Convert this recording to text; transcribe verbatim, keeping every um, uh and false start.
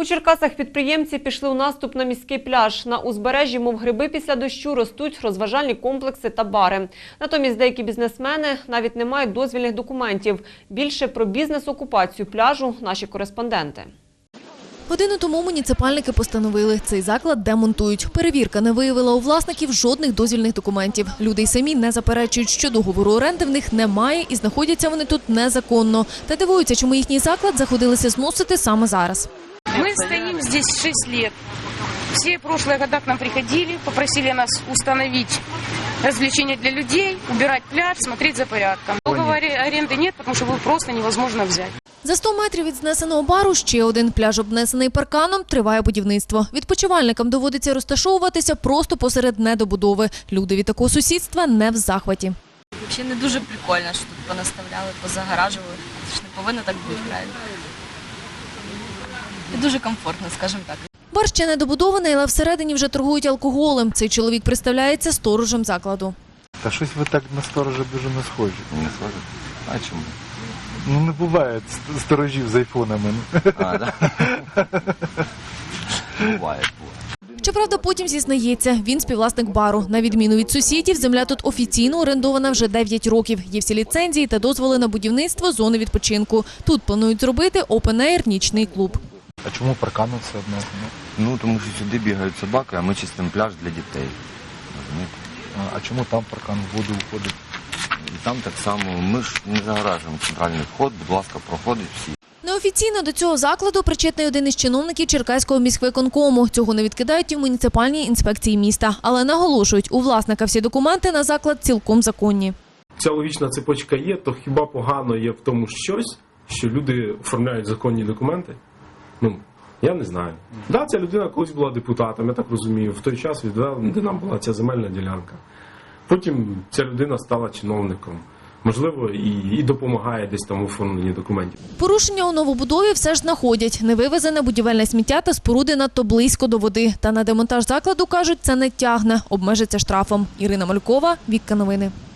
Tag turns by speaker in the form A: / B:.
A: У Черкасах підприємці пішли у наступ на міський пляж. На узбережжі, мов гриби після дощу, ростуть розважальні комплекси та бари. Натомість деякі бізнесмени навіть не мають дозвільних документів. Більше про бізнес-окупацію пляжу наші кореспонденти.
B: Годину тому муніципальники постановили, цей заклад демонтують. Перевірка не виявила у власників жодних дозвільних документів. Люди й самі не заперечують, що договору оренди в них немає і знаходяться вони тут незаконно. Та дивуються, чому їхній заклад заходилися зносити саме зараз.
C: Мы стоим здесь шесть лет. Все прошлые года к нам приходили, попросили нас установить развлечения для людей, убирать пляж, смотреть за порядком. Договора аренды нет, потому что его просто невозможно взять.
B: За сто метрів від знесеного бару ще один пляж, обнесений парканом, триває будівництво. Відпочивальникам доводиться розташовуватися просто посеред недобудови. Люди від такого сусідства не в захваті.
D: Взагалі не дуже прикольно, що тут понаставляли, позагоражували. Це ж не повинно так бути, правильно? І дуже комфортно, скажімо так.
B: Бар ще не добудований, але всередині вже торгують алкоголем. Цей чоловік представляється сторожем закладу.
E: Та щось ви так на сторожа дуже не схожі.
F: Не схоже? А чому?
E: Ну не буває сторожів з айфонами.
F: А, да? Буває, буває.
B: Щоправда, потім зізнається, він співвласник бару. На відміну від сусідів, земля тут офіційно орендована вже дев'ять років. Є всі ліцензії та дозволи на будівництво зони відпочинку. Тут планують зробити опен-ейр нічний клуб.
E: А чому парканом все одно?
F: Ну, тому що сюди бігають собаки, а ми чистимо пляж для дітей. Розумієте?
E: А чому там паркан в воду входить?
F: І там так само. Ми ж не загоражуємо центральний вход, будь ласка, проходять всі.
B: Неофіційно до цього закладу причетний один із чиновників Черкаського міськвиконкому. Цього не відкидають і в муніципальній інспекції міста. Але наголошують, у власника всі документи на заклад цілком законні.
G: Ця логічна цепочка є, то хіба погано є в тому щось, що люди оформляють законні документи? Ну, я не знаю. Да, ця людина колись була депутатом, я так розумію, в той час відвела, де нам була ця земельна ділянка. Потім ця людина стала чиновником. Можливо, і, і допомагає десь там у оформленні документів.
B: Порушення у новобудові все ж знаходять. Невивезене будівельне сміття та споруди надто близько до води. Та на демонтаж закладу, кажуть, це не тягне. Обмежиться штрафом. Ірина Малькова, Вікка Новини.